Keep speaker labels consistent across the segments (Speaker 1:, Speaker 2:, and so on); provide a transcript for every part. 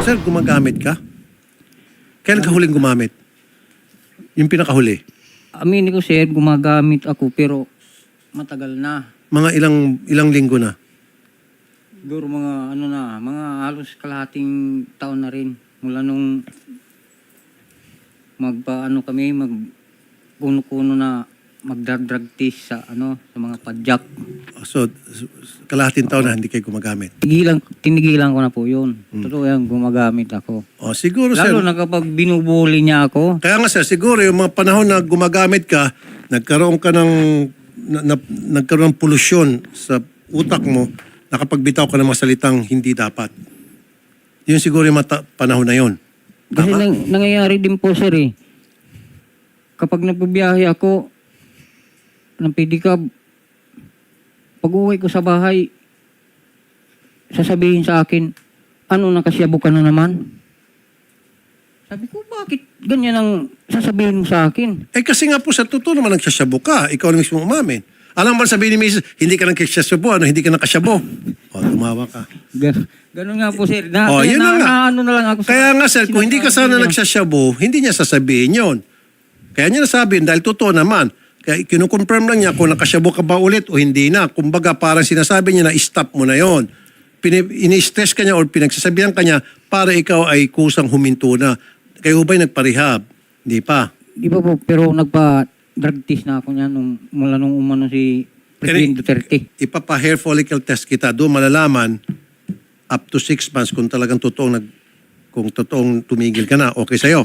Speaker 1: Sir, gumagamit ka? Kailan ka huling gumamit? Yung pinakahuli?
Speaker 2: Aminin ko sir, gumagamit ako pero matagal na.
Speaker 1: Mga ilang linggo na?
Speaker 2: Siguro mga mga halos kalahating taon na rin. Mula nung kuno na magdrag-drug test sa sa mga padjak.
Speaker 1: So, kalahating taon na hindi kayo gumagamit.
Speaker 2: Tinigilan ko na po yun. Totoo yan, gumagamit ako.
Speaker 1: O, siguro, sir.
Speaker 2: Lalo na kapag binubuli niya ako.
Speaker 1: Kaya nga, sir, siguro yung mga panahon na gumagamit ka, nagkaroon ng polusyon sa utak mo, nakapagbitaw ka ng mga salitang hindi dapat. Yun siguro yung panahon na yun.
Speaker 2: Kasi nangyayari din po sir eh. Kapag nagbibiyahe ako ng pedicab, pag uwi ko sa bahay, sasabihin sa akin, ano, nakasyabo ka na naman? Sabi ko, bakit ganyan ang sasabihin mo sa akin?
Speaker 1: Eh kasi nga po sa totoo naman nagsasyabo ka. Ikaw na mismo umamin. Alam mo sabihin ni Mrs., hindi ka nagsasyabo, hindi ka nakasyabo. O, tumawa ka.
Speaker 2: Ganun nga po sir.
Speaker 1: Yun na nga.
Speaker 2: Ano na lang ako.
Speaker 1: Kaya nga sir, kung hindi ka sana nagsasyabo, hindi niya sasabihin yon. Kaya niya nasabihin dahil totoo naman. Kaya kinukonfirm lang niya kung nakasyabo ka ba ulit o hindi na. Kumbaga parang sinasabi niya na stop mo na yon. Ini-stress ka niya o pinagsasabihan ka niya para ikaw ay kusang huminto na. Kayo ba'y nagparehab? Hindi pa.
Speaker 2: Di ba po, pero nagpa-drug test na ako niya mula nung umano si President Duterte.
Speaker 1: Ipapa-hair follicle test kita. Doon malalaman up to 6 months kung talagang kung totoong tumigil ka na. Okay sa'yo.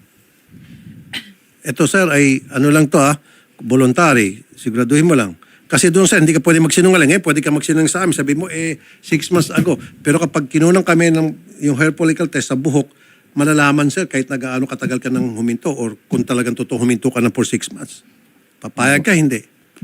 Speaker 1: Ito sir ay ano lang to voluntary. Siguraduhin mo lang. Kasi doon sir, hindi ka pwede magsinungaling. Pwede ka magsinungaling sa amin. Sabi mo 6 months ago. Pero kapag kinunang kami ng yung hair follicle test sa buhok, malalaman sir kahit nagaano katagal ka nang huminto or kung talagang totoo huminto ka na for 6 months. Papayag ka, hindi.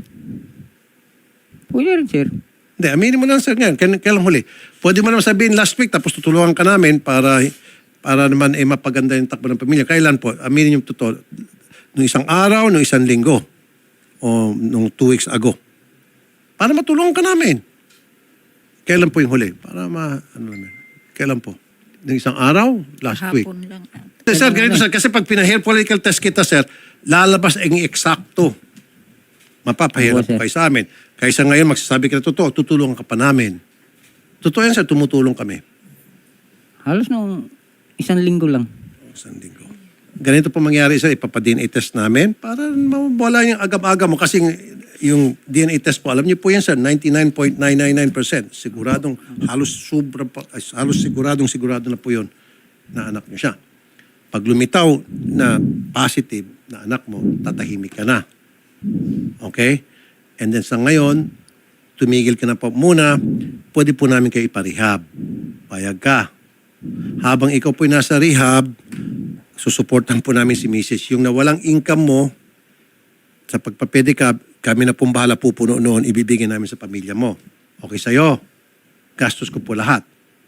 Speaker 2: Pwede rin sir.
Speaker 1: Hindi, aminin mo lang sir ngayon. Kailan huli? Pwede mo naman sabihin last week tapos tutulungan ka namin para naman mapaganda yung takbo ng pamilya. Kailan po? Aminin yung totoo. Nung isang araw, nung isang linggo. O nung 2 weeks ago. Para matulungan ka namin. Kailan po yung huli? Kailan po? Nung isang araw? Last week?
Speaker 3: Hapon lang.
Speaker 1: Sir, ganito sir. Kasi pag pina-hair follicle test kita sir, lalabas ang eksakto. Mapapahirap po kayo sa amin. Kaysa ngayon magsasabi ka na totoo, tutulungan ka pa namin. Totoo yan sir, tumutulong kami.
Speaker 2: Halos nung isang linggo lang.
Speaker 1: Isang linggo. Ganito po mangyari sir, ipapa-DNA test namin para mawala yung agam-agam mo. Kasi yung DNA test po, alam niyo po yan sir, 99.999%. Siguradong, halos sigurado na po yun na anak niyo siya. Pag lumitaw na positive na anak mo, tatahimik ka na. Okay? And then sa ngayon, tumigil ka na po muna, pwede po namin kayo iparehab. Payag ka. Habang ikaw po'y nasa rehab, susuportan po namin si Mrs. Yung nawalang income mo, sa pagpapedicab, kami na pong bahala pupuno noon, ibibigay namin sa pamilya mo. Okay sa'yo? Gastos ko po lahat.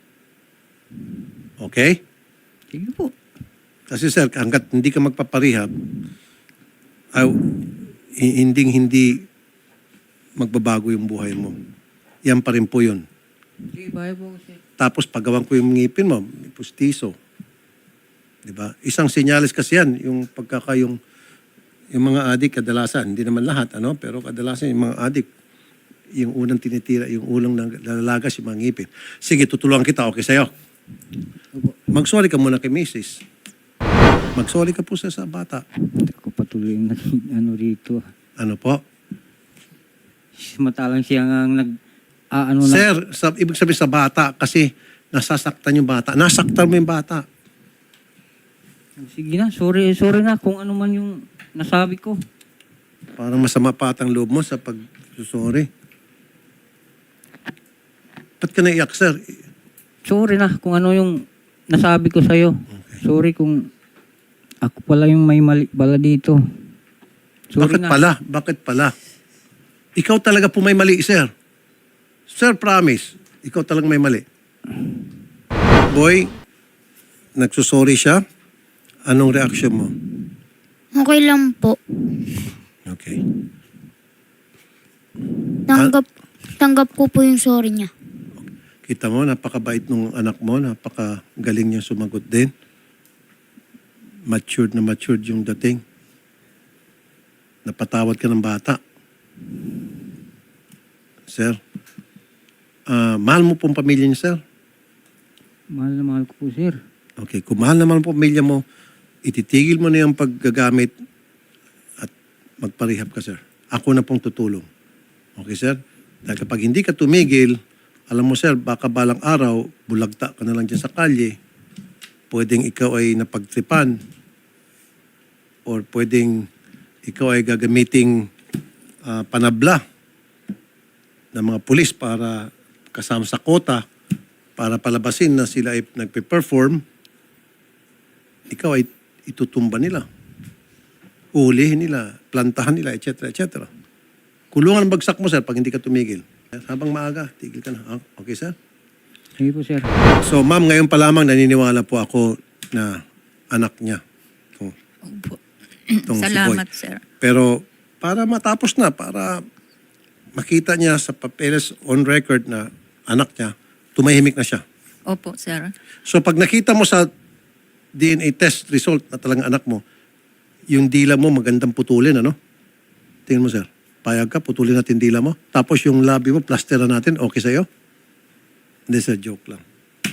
Speaker 1: Okay?
Speaker 2: Sige po.
Speaker 1: Kasi sir, hanggat hindi ka magpaparehab, hindi magbabago yung buhay mo. Yan pa rin po yun.
Speaker 2: Sige, bahay po sir.
Speaker 1: Tapos paggawan ko yung ngipin mo, may pustiso. Diba? Isang sinyalis kasi yan, yung yung mga adik kadalasan, hindi naman lahat, pero kadalasan yung mga adik, yung unang tinitira, yung unang nalalagas yung mga ngipin. Sige, tutulungan kita, okay sa'yo? Mag-sorry ka muna kay Mrs. Mag-sorry ka po sa bata.
Speaker 2: Hindi ko patuloy na rito.
Speaker 1: Ano po?
Speaker 2: Matalang siya nga
Speaker 1: Sir, ibig sabihin sa bata kasi nasasaktan yung bata. Nasaktan mo yung bata.
Speaker 2: Sige na, sorry na kung ano man yung nasabi ko.
Speaker 1: Parang masama pa atang loob mo sa pag-sorry. Ba't ka naiyak, sir?
Speaker 2: Sorry na kung ano yung nasabi ko sa'yo. Okay. Sorry kung ako pala yung may mali pala dito. Sorry
Speaker 1: Bakit pala? Ikaw talaga po may mali, sir. Sir, promise. Ikaw talagang may mali. Boy, nagsusorry siya. Anong reaction mo?
Speaker 3: Okay lang po.
Speaker 1: Okay.
Speaker 3: Tanggap ko po yung sorry niya.
Speaker 1: Kita mo, napakabait nung anak mo, napakagaling niya sumagot din. Matured yung dating. Napatawad ka ng bata. Sir, mahal mo pong pamilya niya, sir?
Speaker 2: Mahal na mahal ko po, sir.
Speaker 1: Okay, kung mahal naman ang pamilya mo, ititigil mo na yung paggagamit at magparehab ka, sir. Ako na pong tutulong. Okay, sir? Dahil kapag hindi ka tumigil, alam mo, sir, baka balang araw, bulagta ka na lang dyan sa kalye. Pwedeng ikaw ay napagtripan or pwedeng ikaw ay gagamiting panabla ng mga pulis para kasama sa kota para palabasin na sila ay nagpe-perform, ikaw ay itutumba nila. Uhulihin nila, plantahan nila, etc. etc. Kulungan ang bagsak mo, sir, pag hindi ka tumigil. Habang maaga, tigil ka na. Okay, sir?
Speaker 2: Sige po, sir.
Speaker 1: So, ma'am, ngayon pa lamang naniniwala po ako na anak niya.
Speaker 4: Opo.
Speaker 1: Itong si
Speaker 4: Salamat,
Speaker 1: Boy.
Speaker 4: sir.
Speaker 1: Pero para matapos na, para makita niya sa papeles on record na anak niya, tumahimik na siya.
Speaker 4: Opo, sir.
Speaker 1: So pag nakita mo sa DNA test result na talagang anak mo, yung dila mo magandang putulin, ano? Tingnan mo, sir. Payag ka, putulin natin dila mo. Tapos yung labi mo, plasteran natin, okay sa'yo? Hindi, sir, joke lang.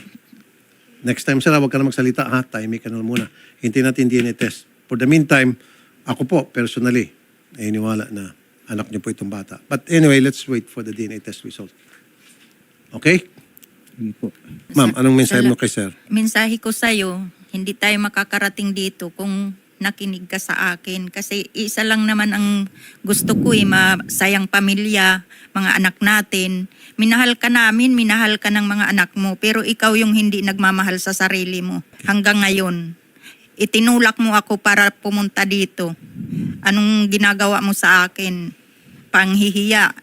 Speaker 1: Next time, sir, huwag ka na magsalita, ha? Tahimik ka na muna. Hintayin natin DNA test. For the meantime, ako po, personally, naniniwala na anak niyo po itong bata. But anyway, let's wait for the DNA test result. Okay?
Speaker 2: Sige po.
Speaker 1: Ma'am, anong mensahe mo kay sir?
Speaker 4: Mensahe ko sa'yo, hindi tayo makakarating dito kung nakinig ka sa akin. Kasi isa lang naman ang gusto ko masayang pamilya, mga anak natin. Minahal ka namin, minahal ka ng mga anak mo. Pero ikaw yung hindi nagmamahal sa sarili mo. Hanggang ngayon, itinulak mo ako para pumunta dito. Anong ginagawa mo sa akin? Panghihiya.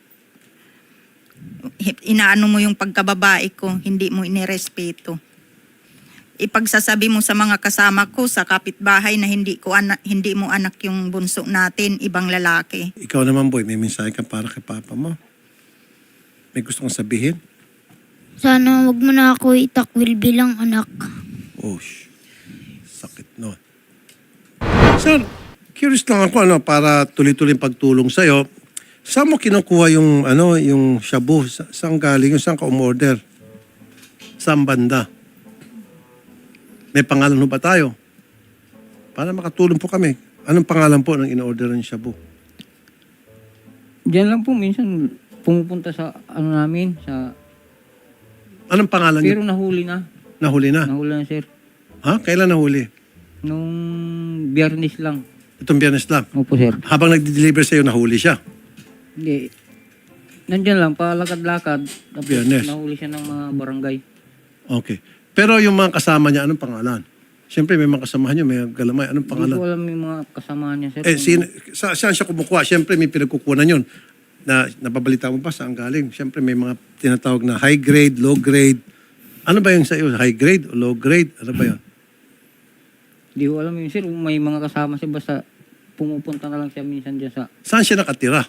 Speaker 4: Inaano mo yung pagkababae ko, hindi mo inirespeto. Ipagsasabi mo sa mga kasama ko sa kapitbahay na hindi mo anak yung bunso natin, ibang lalaki.
Speaker 1: Ikaw naman, boy, may mensahe ka para kay papa mo? May gusto kong sabihin?
Speaker 3: Sana wag mo na ako itakwil bilang anak.
Speaker 1: Oh, sakit no. Sir, curious lang ako para tuloy-tuloy pagtulong sa'yo. Saan mo kinukuha yung shabu? Saan galing? Saan ka umorder? Saan banda? May pangalan mo ba tayo? Para makatulong po kami. Anong pangalan po ng in-order ng shabu?
Speaker 2: Diyan lang po, minsan pumupunta sa namin, sa...
Speaker 1: Anong pangalan niyo?
Speaker 2: Pero nahuli na.
Speaker 1: Nahuli na?
Speaker 2: Nahuli na, sir.
Speaker 1: Ha? Kailan nahuli?
Speaker 2: Nung Biyernes lang.
Speaker 1: Itong Biyernes lang.
Speaker 2: Opo, sir.
Speaker 1: Habang nagde-deliver sa'yo, nahuli siya.
Speaker 2: Hindi. Nandyan lang, palakad-lakad. Tapos
Speaker 1: Biyernes.
Speaker 2: nahuli siya ng mga barangay.
Speaker 1: Okay. Pero yung mga kasama niya, anong pangalan? Siyempre, may mga kasamahan niya, may galamay. Anong
Speaker 2: Hindi
Speaker 1: pangalan?
Speaker 2: ko alam yung mga kasama niya, sir.
Speaker 1: Saan siya kumukuha? Siyempre, may pinagkukunan yun. Nababalita mo pa saan galing? Siyempre, may mga tinatawag na high grade, low grade. Ano ba yung sa iyo? High grade o low grade? Ano ba yun?
Speaker 2: Hindi ko alam yun, sir. May mga kasama siya, basta pumupunta na lang siya minsan dyan sa...
Speaker 1: Saan siya nakatira?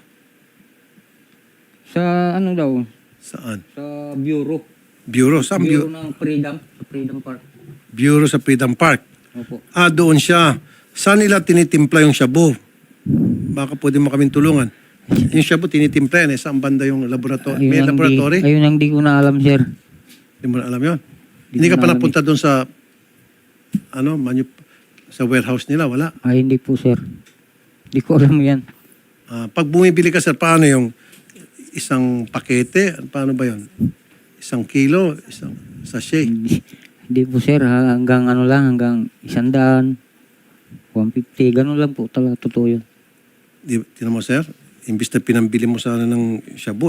Speaker 2: Sa ano daw?
Speaker 1: Saan?
Speaker 2: Sa bureau.
Speaker 1: Bureau? Saan
Speaker 2: Bureau
Speaker 1: bureau?
Speaker 2: ng Freedom. Sa Freedom Park.
Speaker 1: Bureau sa Freedom Park.
Speaker 2: Opo.
Speaker 1: Doon siya. Saan nila tinitimpla yung shabu? Baka pwede mo kaming tulungan. Yung shabu tinitimpla yan. Saan banda yung laboratory? May laboratory?
Speaker 2: Ayun ang di ko na alam, sir.
Speaker 1: Hindi mo na alam yun?
Speaker 2: Di
Speaker 1: Hindi
Speaker 2: ko
Speaker 1: ka
Speaker 2: na
Speaker 1: pa
Speaker 2: alam
Speaker 1: napunta doon sa sa warehouse nila? Wala.
Speaker 2: Ay, hindi po, sir. Di ko alam yan.
Speaker 1: Pag bumibili ka, sir, paano yung isang pakete? Paano ba yun? Isang kilo? Isang sachet?
Speaker 2: Hindi po, sir. Hanggang ano lang, hanggang 100, 150. Ganun lang po talaga. Totoo yun.
Speaker 1: Tinan mo, sir, imbis na pinambili mo sana ng shabu,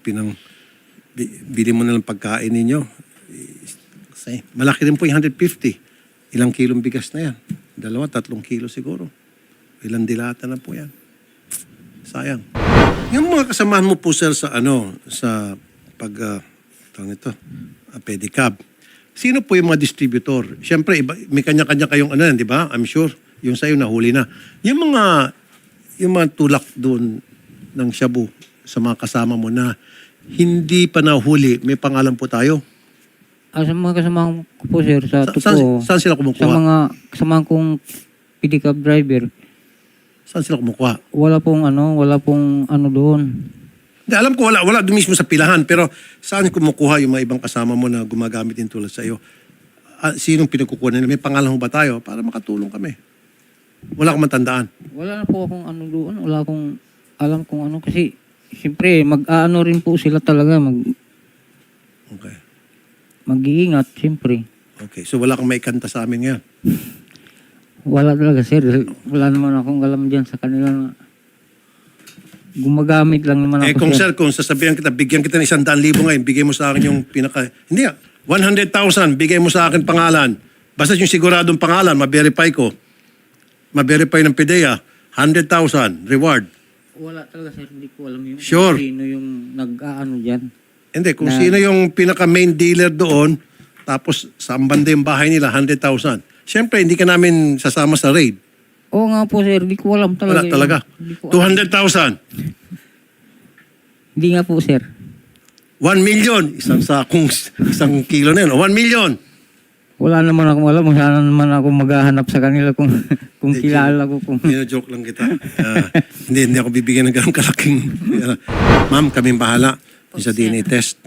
Speaker 1: bili mo na lang pagkain ninyo. Kasi malaki rin po yung 150. Ilang kilong bigas na yan? 2-3 kilo siguro. Ilang dilata na po yan. Sayang. Yung mga kasamahan mo po, sir, sa pedicab. Sino po yung mga distributor? Siyempre, may kanya-kanya kayong di ba? I'm sure. Yung sa'yo nahuli na. Yung mga tulak doon ng shabu sa mga kasama mo na hindi pa nahuli, may pangalan po tayo.
Speaker 2: Sa mga kasamahan ko po, sir, sa totoo.
Speaker 1: Saan sila
Speaker 2: Sa
Speaker 1: kumukuha?
Speaker 2: mga kasamahan kong pedicab driver,
Speaker 1: Saan sila kumukuha?
Speaker 2: wala pong ano doon.
Speaker 1: Hindi, alam ko wala doon mismo sa pilahan, pero saan kumukuha yung mga ibang kasama mo na gumagamit din tulad sa iyo? Sinong pinagkukuha nila? May pangalan ho ba tayo? Para makatulong kami. Wala akong matandaan.
Speaker 2: Wala na po akong ano doon. Wala akong alam kung ano. Kasi, siyempre, mag-ano rin po sila talaga.
Speaker 1: Okay.
Speaker 2: Mag-iingat, siyempre.
Speaker 1: Okay. So wala kang maikanta sa amin ngayon.
Speaker 2: Wala talaga, sir. Wala naman akong alam dyan sa kanila na gumagamit lang naman ako,
Speaker 1: Kung sir, kung sasabihan kita, bigyan kita ng 100,000 ngayon, bigay mo sa akin yung pinaka... Hindi 100,000, bigay mo sa akin pangalan. Basta yung siguradong pangalan, ma-verify ko. Ma-verify ng PDEA. 100,000, reward.
Speaker 2: Wala talaga, sir. Hindi ko alam yung
Speaker 1: Sure.
Speaker 2: sino yung nag-ano dyan.
Speaker 1: Hindi, kung sino yung pinaka-main dealer doon, tapos sa banda yung bahay nila, 100,000. Siyempre, hindi ka namin sasama sa raid.
Speaker 2: Oo nga po, sir. Hindi ko alam talaga.
Speaker 1: Wala talaga.
Speaker 2: Hindi ko alam.
Speaker 1: 200,000.
Speaker 2: Hindi nga po, sir.
Speaker 1: 1 million. Isang kilo na yun. 1 million.
Speaker 2: Wala naman akong alam. Sana naman ako maghahanap sa kanila kung kilala ko.
Speaker 1: Joke lang kita. Hindi ako bibigyan ng ganong kalaking... Ma'am, kaming bahala sa DNA test.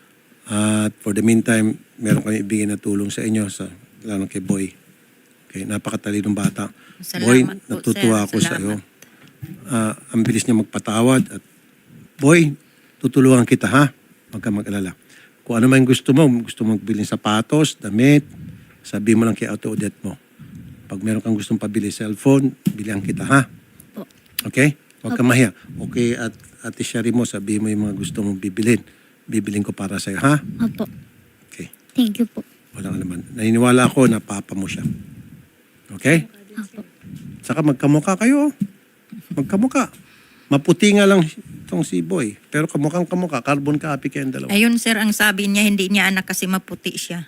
Speaker 1: At for the meantime, meron kami ibigay na tulong sa inyo, lalo kay Boy. Okay, napakatalinong bata.
Speaker 4: Salamat
Speaker 1: Boy,
Speaker 4: po,
Speaker 1: natutuwa
Speaker 4: sir.
Speaker 1: ako sa iyo.
Speaker 4: Salamat.
Speaker 1: Ang bilis niya magpatawad. At Boy, tutulungan kita ha. Huwag kang mag-alala. Kung ano man gusto mo magbilin sapatos, damit, sabi mo lang kay Ate Odette mo. Pag meron kang gustong pabili cellphone, bilihan kita ha. Okay? Huwag kang mahiya. Okay, at Ate Shari mo, sabi mo yung mga gusto mong bibilin. Bibilin ko para sa'yo ha.
Speaker 3: Opo.
Speaker 1: Okay.
Speaker 3: Thank you po.
Speaker 1: Walang alaman. Naniniwala ako na papa mo siya. Okay?
Speaker 3: Opo.
Speaker 1: Saka magkamukha kayo. Magkamukha. Maputi nga lang itong si Boy. Pero kamukhang kamukha. Carbon copy kayong dalawa.
Speaker 4: Ayun sir, ang sabi niya, hindi niya anak kasi maputi siya.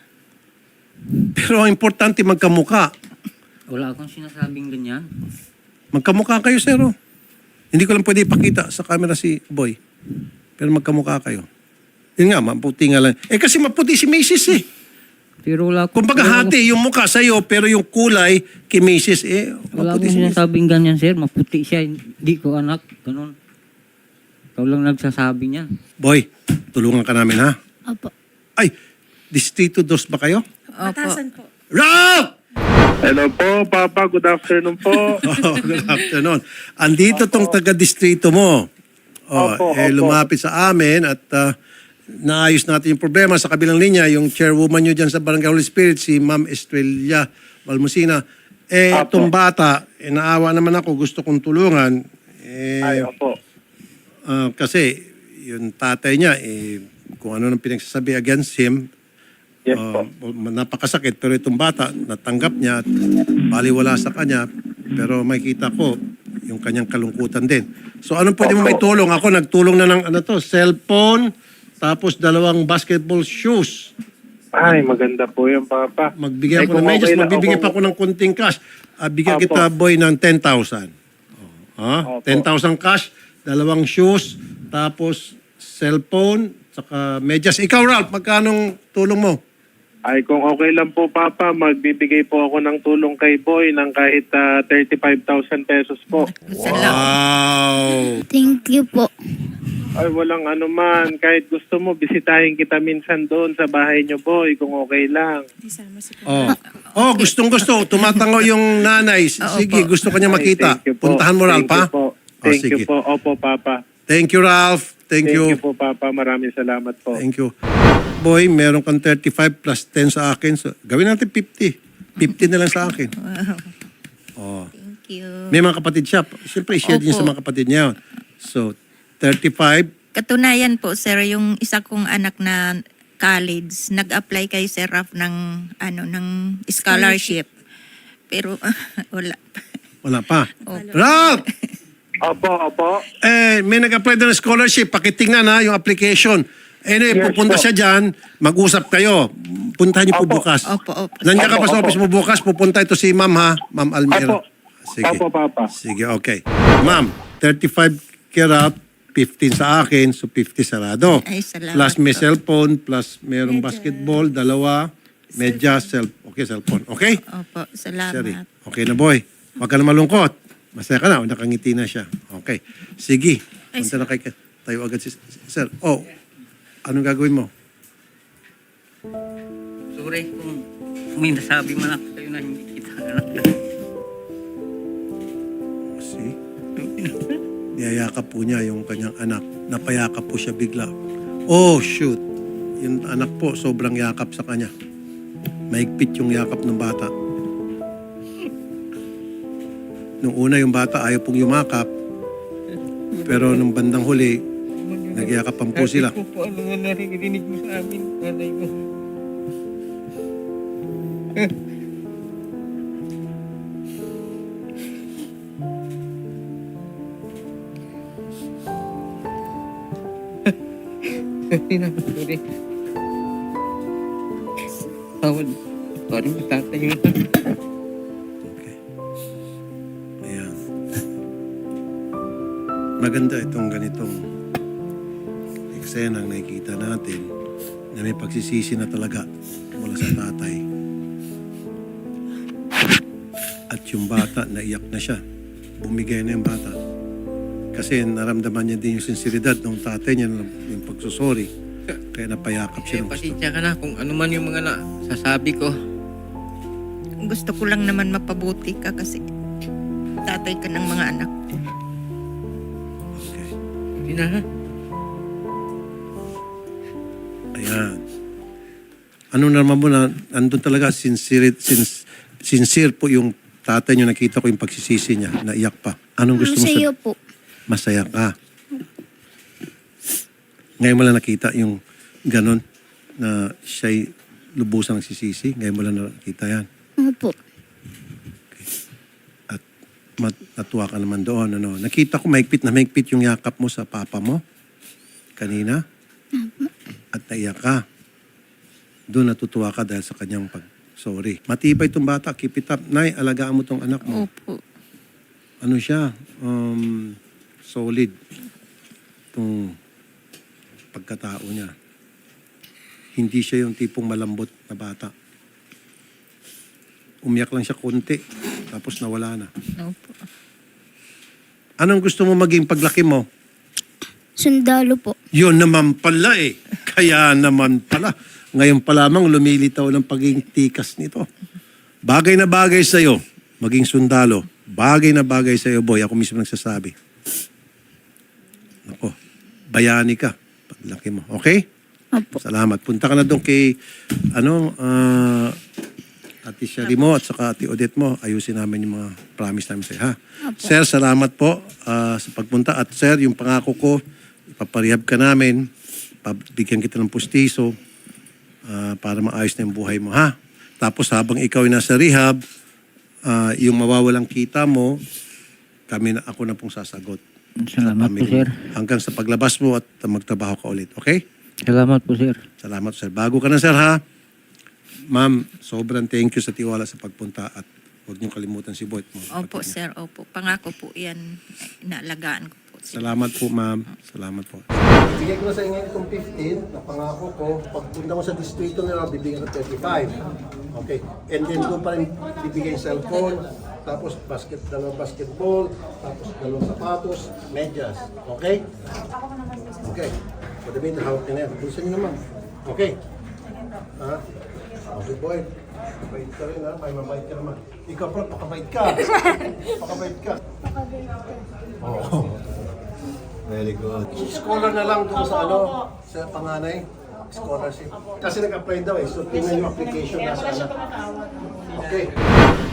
Speaker 1: Pero ang importante magkamukha.
Speaker 2: Wala akong sinasabing ganyan.
Speaker 1: Magkamukha kayo, sir. Oh. Hindi ko lang pwede ipakita sa camera si Boy. Pero magkamukha kayo. Yun nga, maputi nga lang. Kasi maputi si Macy's eh.
Speaker 2: Pero wala akong...
Speaker 1: Kumbaga hati yung mukha sa'yo, pero yung kulay kay Macy's
Speaker 2: Wala
Speaker 1: maputi
Speaker 2: akong
Speaker 1: si Macy's.
Speaker 2: sinasabing ganyan, sir. Maputi siya. Hindi ko anak. Ganun. Ikaw lang nagsasabi niyan.
Speaker 1: Boy, tulungan ka namin ha.
Speaker 3: Opo.
Speaker 1: Ay, Distrito 2 ba kayo?
Speaker 4: Opo.
Speaker 1: Ralph!
Speaker 5: Hello po, Papa. Good afternoon po.
Speaker 1: Good afternoon. Andito tong taga-distrito mo.
Speaker 5: Opo.
Speaker 1: Lumapit sa amin at naayos natin yung problema sa kabilang linya. Yung chairwoman nyo dyan sa Barangay Holy Spirit, si Ma'am Estrella Balmusina.
Speaker 5: Opo.
Speaker 1: Itong bata, naawa naman ako, gusto kong tulungan.
Speaker 5: Ay, opo.
Speaker 1: Kasi yung tatay niya, kung ano nang pinagsasabi against him,
Speaker 5: Yes po.
Speaker 1: napakasakit. Pero itong bata, natanggap niya at baliwala sa kanya. Pero makikita ko yung kanyang kalungkutan din. So anong pwede mo may tulong? Ako nagtulong na ng cellphone, tapos 2 basketball shoes.
Speaker 5: Ay, maganda po yung Papa.
Speaker 1: Magbigay
Speaker 5: Ay,
Speaker 1: ako ng
Speaker 5: kung
Speaker 1: medyas,
Speaker 5: okay lang
Speaker 1: magbibigay
Speaker 5: ako-
Speaker 1: pa ako ng kunting cash. Bigyan
Speaker 5: Opo.
Speaker 1: kita, Boy, ng 10,000.
Speaker 5: Opo.
Speaker 1: 10,000 cash, 2 shoes, tapos cellphone, saka medyas. Ikaw, Ralph, magkanong tulong mo?
Speaker 5: Ay, kung okay lang po, Papa, magbibigay po ako ng tulong kay Boy ng kahit 35,000 pesos po.
Speaker 4: Salamat.
Speaker 1: Wow!
Speaker 3: Thank you po.
Speaker 5: Ay, walang ano man. Kahit gusto mo, bisitahin kita minsan doon sa bahay niyo, Boy, kung okay lang.
Speaker 1: Gustong-gusto. Tumatango yung nanay. Sige, gusto kanya makita.
Speaker 5: Ay, thank you po.
Speaker 1: Puntahan mo, Ralph, ha?
Speaker 5: Thank you po. Thank you
Speaker 1: sige.
Speaker 5: po. Opo, Papa.
Speaker 1: Thank you, Ralph. Thank you.
Speaker 5: po, Papa. Maraming salamat po.
Speaker 1: Thank you. Boy, meron kang 35 plus 10 sa akin. So, gawin natin 50. 50 na lang sa akin.
Speaker 4: Thank you.
Speaker 1: May mga kapatid siya. Siyempre, i-share din
Speaker 4: Opo.
Speaker 1: sa mga kapatid niya. So, 35.
Speaker 4: Katunayan po, sir, yung isa kong anak na college, nag-apply kay Sir Raf ng scholarship. Pero wala.
Speaker 1: Wala pa. Ralph!
Speaker 5: Opo.
Speaker 1: May nag-apply doon ng scholarship. Pakitingnan ha, yung application.
Speaker 5: Yes,
Speaker 1: Pupunta
Speaker 5: po.
Speaker 1: siya dyan. Mag-usap kayo. Puntahan niyo po
Speaker 5: Opo.
Speaker 1: bukas.
Speaker 4: Opo.
Speaker 1: Nandiyan ka pa sa
Speaker 5: Opo.
Speaker 1: office mo bukas. Pupunta ito si Ma'am ha. Ma'am Almira.
Speaker 5: Opo.
Speaker 1: Sige.
Speaker 5: Opo, Papa.
Speaker 1: Sige, okay. Ma'am, 35 kaya Ralph, 15 sa akin, so 50 sarado.
Speaker 4: Ay, salamat
Speaker 1: Plus may
Speaker 4: po.
Speaker 1: cellphone, plus merong basketball, dalawa, medyas, cellphone. Okay?
Speaker 4: Opo, salamat.
Speaker 1: Sorry. Okay na, boy. Huwag ka na malungkot. Masaya ka na, nakangiti na siya. Okay. Sige. Punta na kay tayo agad si sir. Oh, anong gagawin mo?
Speaker 2: Sorry kung may nasabi man ako sa'yo na hindi kita anak.
Speaker 1: See? Niyayakap po niya yung kanyang anak. Napayakap po siya bigla. Oh, shoot. Yung anak po, sobrang yakap sa kanya. Mahigpit yung yakap ng bata. Nung una yung bata ayaw pong yumakap. Pero nung bandang huli, nagyakapan po sila.
Speaker 2: Sabi ko po, ano nga narinig mo sa amin, nanay mo. Sorry na, sorry. Tawad. Sorry, tatay mo.
Speaker 1: Okay. Ayan. Maganda itong ganitong eksenang nakikita natin na may pagsisisi na talaga mula sa tatay. At yung bata, naiyak na siya. Bumigay na yung bata. Kasi naramdaman niya din yung sinseridad ng tatay niya, yung pagsusori. Kaya napayakap siya ng gusto.
Speaker 6: Pasensya ka na kung ano man yung mga sasabi ko.
Speaker 4: Gusto ko lang naman mapabuti ka kasi tatay ka ng mga anak ko.
Speaker 1: Okay.
Speaker 6: Hindi na ha?
Speaker 1: Ayan. Ano naman mo na, andun talaga, sincere po yung tatay niyo, nakita ko yung pagsisisi niya, naiyak pa. Anong gusto mo
Speaker 3: Sa iyo po.
Speaker 1: Masaya ka. Ngayon mo lang nakita yung ganon na siya'y lubusang nagsisisi. Ngayon mo lang nakita yan.
Speaker 3: Opo.
Speaker 1: At natuwa ka naman doon. Ano? Nakita ko mahigpit na mahigpit yung yakap mo sa papa mo kanina. At naiyak ka. Doon natutuwa ka dahil sa kanyang sorry. Matibay itong bata. Keep it up. Nay, alagaan mo itong anak mo.
Speaker 4: Opo.
Speaker 1: Ano siya? Solid. Itong pagkatao niya. Hindi siya yung tipong malambot na bata. Umiyak lang siya konti. Tapos nawala na.
Speaker 4: Opo.
Speaker 1: Anong gusto mo maging paglaki mo?
Speaker 3: Sundalo po.
Speaker 1: Yun naman pala eh. Kaya naman pala. Ngayon pa lamang lumilitaw ng pagiging tikas nito. Bagay na bagay sa'yo, maging sundalo. Bagay na bagay sa'yo, boy. Ako mismo nagsasabi. Ako, bayani ka. Paglaki mo. Okay?
Speaker 3: Opo.
Speaker 1: Salamat. Punta ka na doon kay, Ate Shari mo at saka Ate Odette mo. Ayusin namin yung mga promise namin sa'yo, ha?
Speaker 3: Opo.
Speaker 1: Sir, salamat po sa pagpunta. At sir, yung pangako ko, ipaparehab ka namin. Pabigyan kita ng pustiso para maayos na yung buhay mo, ha? Tapos habang ikaw ay nasa rehab, yung mawawalang kita mo, ako na pong sasagot.
Speaker 2: Salamat po, sir.
Speaker 1: Hanggang sa paglabas mo at magtrabaho ka ulit, okay?
Speaker 2: Salamat po, sir.
Speaker 1: Salamat, sir. Bago ka na, sir, ha? Ma'am, sobrang thank you sa tiwala sa pagpunta at huwag niyong kalimutan si Boyd mo.
Speaker 4: Opo, sir. Opo. Pangako po yan. Inaalagaan ko po.
Speaker 1: Salamat po, ma'am. Salamat po. Bigay ko na sa inyo itong 15 na pangako ko. Pagpunta mo sa distrito nila, bibigyan ko 35. Okay. And then doon pa rin bibigay yung cellphone, tapos dalawang basketball, tapos dalawang sapatos, medyas. Okay? Okay. So, the meantime, hawak niya na yan. Bulsa niyo naman. Okay. Ha? Okay, boy. Mabait ka rin, ha? May mabait ka naman. Ikaw, bro, pakabait ka. Pakabait ka. Oo. Very good. Scholar na lang doon sa sa panganay. Scholarship. Kasi nag-apply daw eh. So, tingnan yung application nasa anak. Okay.